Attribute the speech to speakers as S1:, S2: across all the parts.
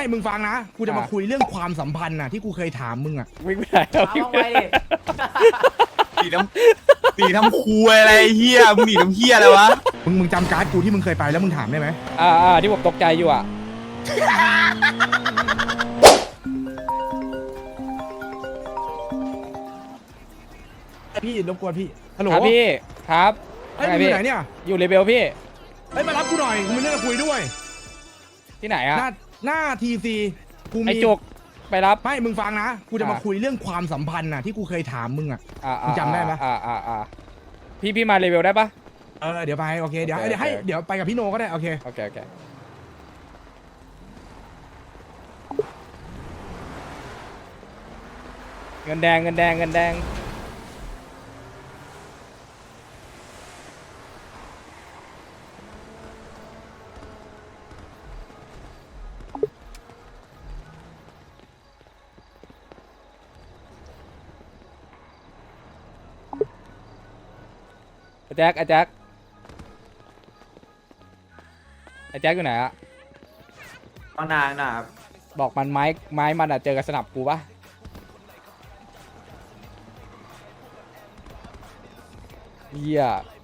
S1: มึงฟังนะกูจะมาคุยเรื่องความสัมพันธ์น่ะที่กูเคยถามมึงอ่ะ
S2: วิ่งไปไหนเอา
S3: เอา
S2: วิ่ง
S3: ลง
S2: ไป
S3: ไป
S2: ไหน
S3: ดิ
S4: หนีน้ำคุยอะไรเฮียมึงหนีน้ำเฮียอะไรวะ
S1: มึงจำการ์ดกูที่มึงเคยไปแล้วมึงถามได้ไหม
S2: ที่ผมตกใจอยู่อ่ะ
S1: พี่รบกวนพี่ฮัลโหล
S2: ครับพี่ครับ
S1: เฮ้ย
S2: ไง
S1: มึงอ
S2: พี่
S1: ยู่ไหนเนี่ย
S2: อยู่เลเบลพี่
S1: เฮ้ยมารับกูหน่อยกูมีเรื่องจะคุยด้วย
S2: ที่ไหนอ่ะ
S1: หน้าทีซีกูมี
S2: ไอจุกไปรับ
S1: ไม่มึงฟังนะกูจะมา
S2: อ่ะ
S1: คุยเรื่องความสัมพันธ์น่ะที่กูเคยถามมึงอ่ะ
S2: อ่า
S1: มึงจำได้ปะ
S2: พี่มาเลเวลได้ปะ
S1: เดี๋ยวไปโอเคเดี๋ยว
S2: โอเค
S1: เดี๋ยวให้
S2: โอเค
S1: เดี๋ยวไปกับพี่โนก็ได้โอเค
S2: โอเคเงินแดงไอ้แจ็คอยู่ไหนอะ
S3: เอานางนะครับ
S2: บอกมันไม้มันอะเจอกับสนับกูปะเหี้ย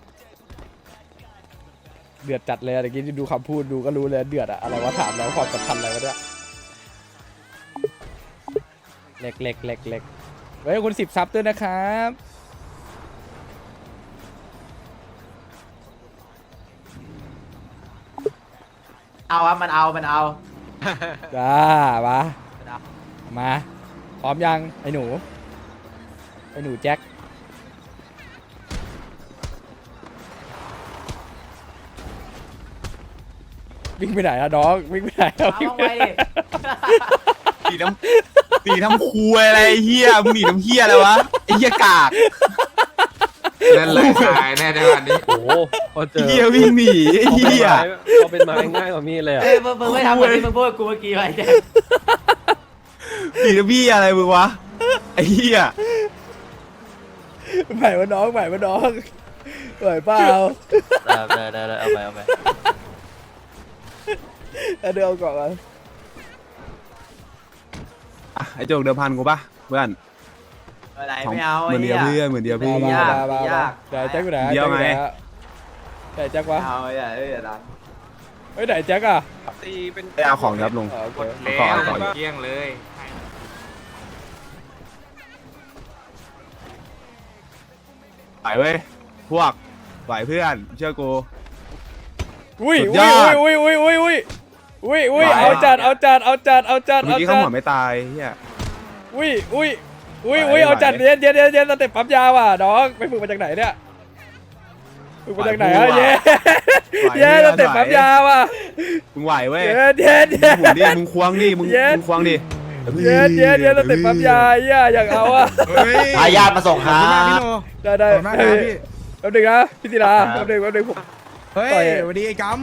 S2: เดือดจัดเลยอะเมื่อกี้ที่ดูคำพูดดูก็รู้เลยเดือดอะอะไรวะถามแล้วความสัมพันธ์อะไรวะเนี่ยเล็กเฮ้ยคุณ10 ซับด้วยนะครับ
S3: เอาครับมันเอา
S2: จ้ามาพร้อมยังไอ้หนูแจ็ควิ่งไปไหนอะน้องวิ่งไปไหนอะ
S3: เอาลงไปดิ
S4: หนีน้ำคุยอะไรเฮียมึงหนีน้ำเฮียอะไรวะไอ้เฮียกาก
S5: นั่นแหละตายแน่ในวันนี้
S6: โอ้โหพอเจอ
S4: เฮียวิ่งหนีไอ้เฮีย
S6: เขาเป็นไม้ง่ายกว่ามีดเลยอ่ะ
S3: เอ้ยมึงไม่ทำแบบที่มึงพูดกับกูเมื่อกี้ไปแก
S4: หนีน้ำพี่อะไรมึงวะไอ้เฮีย
S2: ไหววะน้องไหวเปล่า
S6: ได้เอาไป
S2: เดี๋ยวเอาก่อนมา
S4: อ่ะไอ้โจกเดิมพันกูปะเพื่อน
S3: อะไรไม่เอา
S4: เหมือนเดียวเพื่อนเหมือนเดียวเพื่อน
S3: ไม่ยากไม่ยาก
S2: เดี๋ยวแจ็คอยู่ไหน
S4: เดี๋ยวไง
S2: ไหนแจ็ควะ
S3: เอาอย่าดัน
S2: เฮ้ยไหนแจ็คอะ
S6: ตีเป็น
S4: ไปเอาของครับลุง
S2: โอเค
S5: แล้ว
S4: ก่อน
S5: เกลี้ยงเลย
S4: ไหวเว้ยพวกไหวเพื่อนเชื่อกู
S2: อุ้ย
S4: สุดยอด
S2: อุ้ยเอาจัด
S4: เมื่อกี้เขาหัวไม่ตายเฮีย
S2: อุ้ย
S4: ไหว
S2: เอาจัด
S4: ไหว
S2: เย็นสเต็ปปั๊มยาว่ะน้องไปฝึกมาจากไหนเนี่ยฝึกมาจากไหนอะ
S4: ไหว
S2: เย้สเต็ปปั๊มยาว่ะ
S4: มึงไหวเว้ย
S2: เย็น
S4: มึงหมุนดิมึงควงดิมึงควงดิ
S2: สเต็ปปั๊มยาเหี้ยอยากเอาอะ
S4: เฮ้ย
S3: พายาตมาส่ง
S1: ขอบคุณมากพี่โน
S2: ได้
S1: ขอบคุณมากครับพี่
S2: แป๊บนึงนะพี่ศิลาแป๊บนึงผม
S1: เฮ้ย
S2: ต่อย
S1: สวัสดีไอ้กัม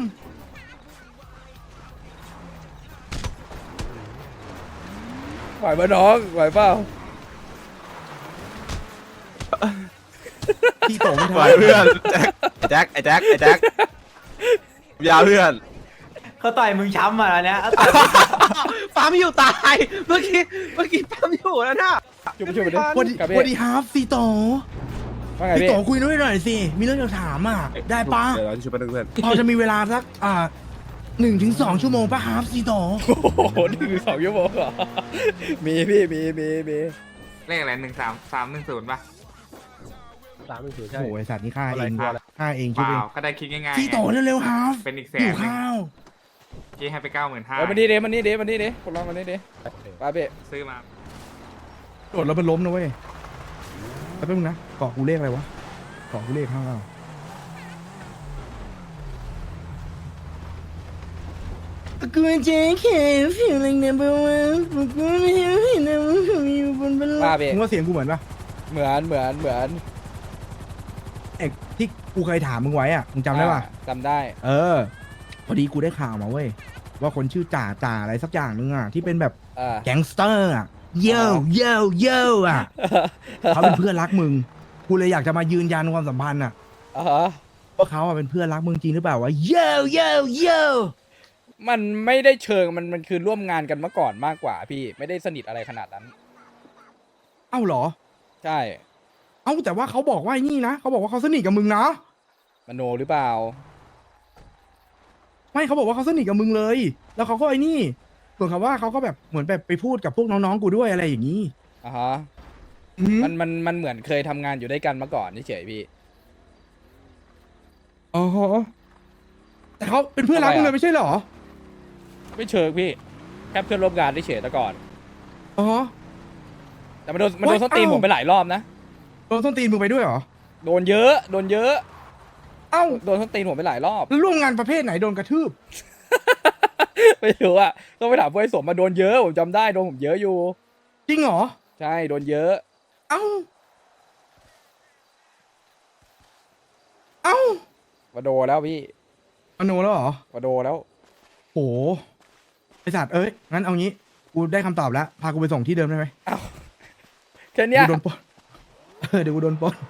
S2: ไหวปะน้องไหวเปล่า
S1: พี่โตมึง
S4: ไหว
S1: ทำ
S4: เพื่อนแจ็คไอ้แจ็คยาเพื่อน
S3: เขาต่อยมึงช้ำมาแล้วเนี่ย
S4: ปั๊มอยู่ตายเมื่อกี้ปั๊มอยู่แล้วนะ
S2: จุ๊บไปดิ
S1: วันดี
S2: กับ
S1: วันดีครับพี่โต
S2: ว่าไง
S1: พี่
S2: พี่
S1: โตคุยด้วยหน่อยสิมีเรื่องจะถามอ่ะได้ปะ
S4: เดี๋ยวเราจะช่วยเพื่อน
S1: พอจะมีเวลาสัก1 ถึง 2 ชั่วโมงปะครับพี่โต
S2: โอ้โห1 2 ชั่วโมงเหรอมีพี่มี
S5: เลขอะไร13310ป่ะ
S6: 3-0ใช่
S1: โอ้ยสัตว์นี่ฆ่า
S6: อะ
S1: เอ
S6: ไรง ครับ
S1: ฆ่าเอง
S5: เป
S1: ช่วยเอ
S5: ล่าง ก็ได้คิดง่ายๆ
S1: พี่โต
S5: ไง
S1: เร็วๆครับ
S5: เป็นอีกแส
S1: หิ
S5: น
S1: วข้าว
S5: ที่ให้ไป95,000
S2: เฮ้ยมันนี่เด้มันนี่เด้พวกเรามันนี่เด้ไปพี่
S5: ซื้อมา
S1: โดดแล้วมันล้มนะเว้ยแป๊บนึงนะเกาะกูเลขอะไรวะเกาะกูเลข5กูจะแค่ผิวแรงเนี่ยเพราะว่ากูไม่เห็นนะว่าผมอยู่บนบันลัง
S2: มาพี่
S1: มึงว่าเสียงกูเหมือนปะ
S2: เหมือน
S1: เอกที่กูเคยถามมึงไว้อ่ะมึงจำได้ปะ
S2: จำได้
S1: พอดีกูได้ข่าวมาเว้ยว่าคนชื่อจ่าอะไรสักอย่างนึงอ่ะที่เป็นแบบ
S2: อ่า
S1: แก๊งสเตอร์อ่ะเย่อ่ะเขาเป็นเพื่อนรักมึงกูเลยอยากจะมายืนยันความสัมพันธ์อ่ะ
S2: อ่าฮะ
S1: ว่าเขาอ่ะเป็นเพื่อนรักมึงจริงหรือเปล่าวะเย่
S2: มันไม่ได้เชิงมันคือร่วมงานกันมาก่อนมากกว่าพี่ไม่ได้สนิทอะไรขนาดนั้น
S1: เอ้าเหรอ
S2: ใช่
S1: เอ้าแต่ว่าเขาบอกว่าไอ้นี่นะเขาบอกว่าเขาสนิทกับมึงนะ
S2: มโนหรือเปล่า
S1: ไม่เขาบอกว่าเขาสนิทกับมึงเลย แล้วเขาก็ไอ้นี่ส่วนคำว่าเขาก็แบบเหมือนแบบไปพูดกับพวกน้องๆกูด้วยอะไรอย่างนี้
S2: อ่ะฮะ
S1: อืม
S2: มันเหมือนเคยทำงานอยู่ด้วยกันมาก่อนเฉยๆพี่
S1: อ๋อฮะแต่เขาเป็นเพื่อนรักมึงเลยไม่ใช่เหรอ
S2: ไม่เชิงพี่แค่เพื่อนร่วมงานเฉยๆแต่ก่อน
S1: อ๋อ
S2: แต่มันโดนส้นตีนผมไปหลายรอบนะ
S1: โดนส้นตีนมึงไปด้วยเหรอ
S2: โดนเยอะโดนเยอะ
S1: เอ้า
S2: โดนส้นตีนผมไปหลายรอบ
S1: แล้วร่วมงานประเภทไหนโดนกระทืบ
S2: ไม่รู้อะต้องไปถามพวกไอ้สมมาโดนเยอะผมจำได้โดนผมเยอะอยู่
S1: จริงเหรอ
S2: ใช่โดนเยอะ
S1: เอ้า เอ้า
S2: มาโดนแล้วพี่
S1: อโนแล้วเหรอ
S2: มาโดนแล้ว
S1: โหไอสัตว์เอ้ยงั้นเอางี้ กูได้คำตอบแล้ว พากูไปส่งที่เดิมได้ไหม
S2: แค่เนี้ย
S1: กูโดนปล้นเดี๋ยวกูโดนปล้น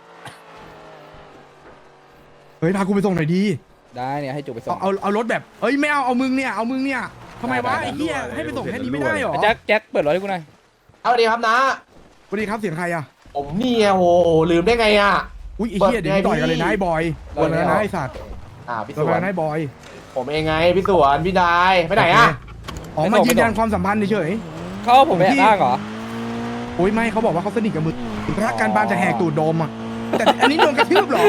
S1: เฮ้ยพากูไปส่งหน่อยดี
S2: ได้เนี่ยให้จุกไปส่ง
S1: เอารถแบบเอ้ยไม่เอามึงเนี่ยเอามึงเนี่ยทำไมวะ
S2: ได้
S1: ไอ้เหี้ยให้ไปส่งแค่นี้ไม่ได้เหรอ
S2: แจ็คเปิดรถให้กูหน่อย
S7: สวัสดีครับนะ
S1: สวัสดีครับเสียงใครอ่ะ
S7: ผมนี่ไงโอ้โหลืมได้ไงอ่ะ
S1: อุ้ยไอ้เหี้ยเดี๋ยวนี้ต่อยกันเลยนะไอ้บอยโดนแล้วนะไอ้สัตว์
S7: พี่
S1: โด
S7: ส
S1: น
S7: ว
S1: แล้ว
S7: น
S1: นะไอ้บอย
S7: ผมเองไงพี่สวนพี่นายไปไหนอ่ะ
S1: อ๋อมายืนยันความสัมพันธ์เฉย
S2: เขาเอาผมไปแอบอ้างเหรอ
S1: ๆโอ้ยไม่เขาบอกว่าเขาสนิทกับมึงรักการบานจะแหกตูดโดมอ่ะแต่อันนี้โดนกระทืบเหรอ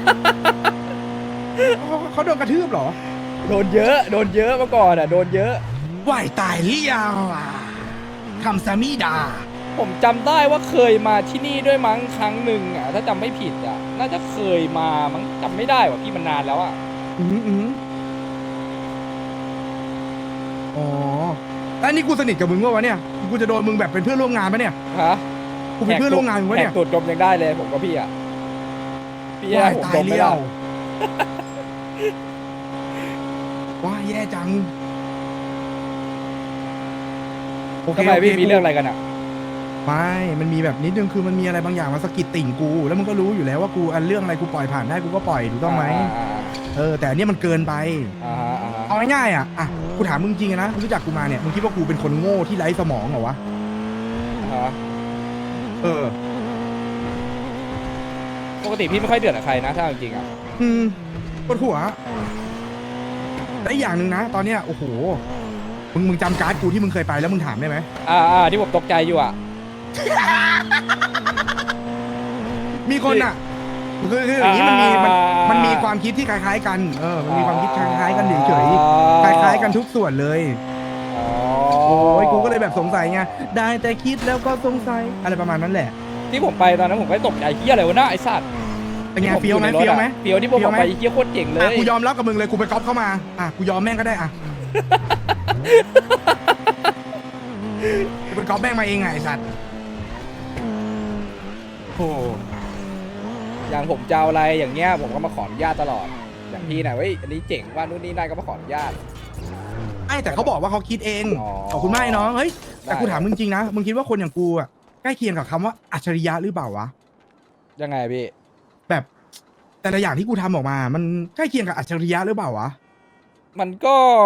S1: เขาโดนกระทืบเหรอ
S2: โดนเยอะโดนเยอะมาก่อนอ่ะโดนเยอะ
S1: ว่ายตายหรือยังอ่ะคำสามีดา
S2: ผมจำได้ว่าเคยมาที่นี่ด้วยมั้งครั้งหนึ่งอ่ะถ้าจำไม่ผิดอ่ะน่าจะเคยมามั้งจำไม่ได้ว่ะพี่มันนานแล้วอ่ะ
S1: อืมอ๋อแล้วนี่กูสนิทกับมึงวะเนี่ยกูจะโดนมึงแบบเป็นเพื่อนร่วมงานปะเนี่ย
S2: ฮะ
S1: กูเป็นเพื่อนร่วมงานมึงวะ
S2: แห
S1: เนี่
S2: ก
S1: ย
S2: ตูดดมยังได้เลยผมกับพี่อ่ะพี่ให้
S1: ว่าย
S2: ผม
S1: ตา
S2: ด
S1: ย
S2: มไม่
S1: เลี้ย
S2: ได้
S1: วว้ายแย่จังโอเค
S2: ทำไม
S1: โอเค
S2: พี่มีเรื่องอะไรกันอ่ะ
S1: ไม่มันมีแบบนิดนึงคือมันมีอะไรบางอย่างมาสะกิดติ่งกู แล้วมึงก็รู้อยู่แล้วว่ากูอันเรื่องอะไรกูปล่อยผ่านได้กูก็ปล่อยถูกต้องไหมแต่อันเนี้ยมันเกินไป
S2: อ่าฮะอ่าฮะ
S1: เอาง่ายๆอ่ะกูถามมึงจริงๆนะมึงรู้จักกูมาเนี่ยมึงคิดว่ากูเป็นคนโง่ที่ไร้สมองเหรอวะ
S2: อ่าฮะ
S1: เออ
S2: ปกติพี่ไม่ค่อยเดือดกับใครนะถ้าเอาจริงๆอ่ะ
S1: ปวดหัวและอีกอย่างหนึ่งนะ ตอนเนี้ยโอ้โหมึงจำการ์ดกูที่มึงเคยไปแล้วมึงถามได้ไหม
S2: ที่ผมตกใจอยู่อ่ะ
S1: มีคนอ่ะคืออย่างนี้มันมีความคิดที่คล้ายๆกันมันมีความคิดคล้ายๆกันเฉยๆคล้ายๆกันทุกส่วนเลย
S2: อ๋อ
S1: โอ้ยกูก็เลยแบบสงสัยไงได้แต่คิดแล้วก็สงสัยอะไรประมาณนั้นแหละ
S2: ที่ผมไปตอนนั้นผมก็ตกใจเฮียอะไรวะน่าไอ้สัตว์
S1: เป็นไง
S2: ที่ผ
S1: เฟี้ยวไหม
S2: อในรถ
S1: เฟี้ยวไหม
S2: อะเฟี้ยวที่ผมบอกไปเฮียโคตรเจ๋งเลย
S1: กูยอมรับกับมึงเลยกูไปก๊อปเข้ามากูยอมแม่งก็ได้กูไปก๊อปแม่งมาเองไงไอ้สัตว์โอ้
S2: อย่างผมจะเอาอะไรอย่างเงี้ยผมก็มาขออนุญาตตลอดอย่างพี่นะเว้ยอันนี้เจ๋งว่านู่นนี่นั่นก็มาขออนุญาต
S1: ไม่แต่เขาบอกว่าเขาคิดเอง
S2: อ๋อ
S1: ขอบคุณมากไอ้น้องเฮ้ยแต่
S2: ได้
S1: กูถามมึงจริงนะมึงคิดว่าคนอย่างกูอ่ะใกล้เคียงกับคำว่าอัจฉริยะหรือเปล่าวะ
S2: ยังไงพี่
S1: แบบแต่ละอย่างที่กูทำออกมา มันใกล้เคียงกับอัจฉริยะหรือเปล่าวะ
S2: มันก็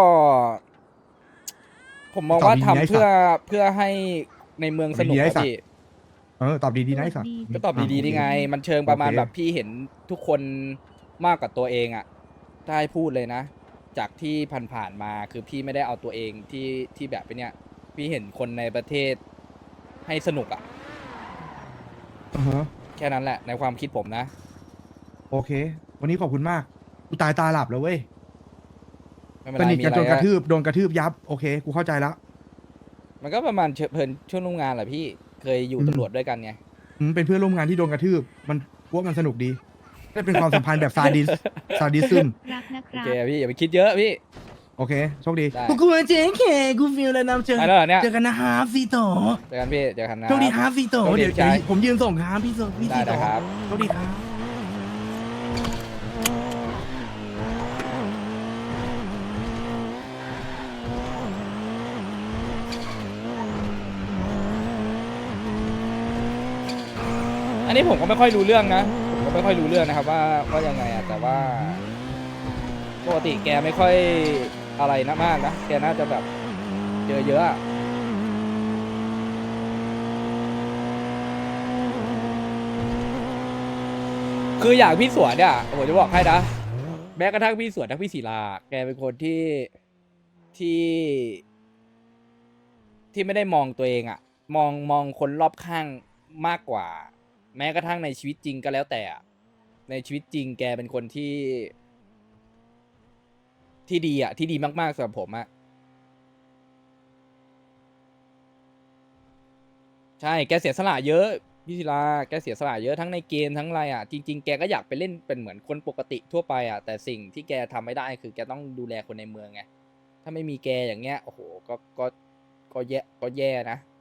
S2: ผมมองว่าทำเพื่อให้ในเมืองสนุก
S1: ดีๆไอ้
S2: อะ
S1: สัตว์
S2: พี่
S1: ตอบดีๆนะไอ้สัตว์
S2: ก็ตอบดีๆได้ไง มันเชิงประมาณ
S1: โอเค
S2: แบบพี่เห็นทุกคนมากกว่าตัวเองอ่ะถ้าให้พูดเลยนะ จากที่ผ่านๆมาคือพี่ไม่ได้เอาตัวเองที่แบบเป็นเนี้ยพี่เห็นคนในประเทศให้สนุกอ่ะ
S1: อือฮะ
S2: แค่นั้นแหละในความคิดผมนะ
S1: โอเค วันนี้ขอบคุณมากกูตายตาหลับแล้วเว้ย
S2: ไม่เป็น
S1: ส
S2: ไร
S1: นิท
S2: มี
S1: กัน
S2: อะไร
S1: จนกระทืบโดนกระทืบยับโอเคกูเข้าใจแล้ว
S2: มันก็ประมาณเพลินช่วงร่วมงานแหละพี่เคยอยู่ตำรวจด้วยกันไง
S1: เป็นเพื่อนร่วมงานที่โดนกระทืบมันพวกมันสนุกดีได้เป็นความสัมพันธ์แบบซาดิซึม
S8: รักนะค
S2: โอ
S8: รับ
S2: เคพี่อย่าไปคิดเยอะพี่
S1: โอเคโชคดี
S2: ได้
S1: กูเจ๊เคกูฟีลแล้วนะเจอ
S2: ไปแล้วเหรอเนี่ย
S1: เจอกันนะฮาร์ฟซีโต
S2: เจอกันพี่เจอกันนะ
S1: โชคดีฮาร์ฟซีโต
S2: โชคดี
S1: เดี๋ยว
S2: ใช่
S1: ผมยืนส่งครับพี่ซี
S2: ได้
S1: โต
S2: นะครับ
S1: โชคดีครับ
S2: อันนี้ผมก็ไม่ค่อยรู้เรื่องนะผมก็ไม่ค่อยรู้เรื่องนะครับว่ายังไงอะแต่ว่าปกติแกไม่ค่อยอะไรนะมากนะแกน่าจะแบบเจอเยอะอะคืออย่างพี่สวนเนี่ยผมจะบอกให้นะแม้กระทั่งพี่สวนทั้งพี่ศิลาแกเป็นคนที่ที่ไม่ได้มองตัวเองอะมองคนรอบข้างมากกว่า แม้กระทั่งในชีวิตจริงก็แล้วแต่อะในชีวิตจริงแกเป็นคนที่ดีอะที่ดีมากๆสำหรับผมอะใช่แกเสียสละเยอะพี่ศิลาแกเสียสละเยอะทั้งในเกมทั้งอะไรอะจริงๆแกก็อยากไปเล่นเป็นเหมือนคนปกติทั่วไปอะแต่สิ่งที่แกทำไม่ได้คือแกต้องดูแลคนในเมืองไงถ้าไม่มีแกอย่างเงี้ยโอ้โหก็แย่นะ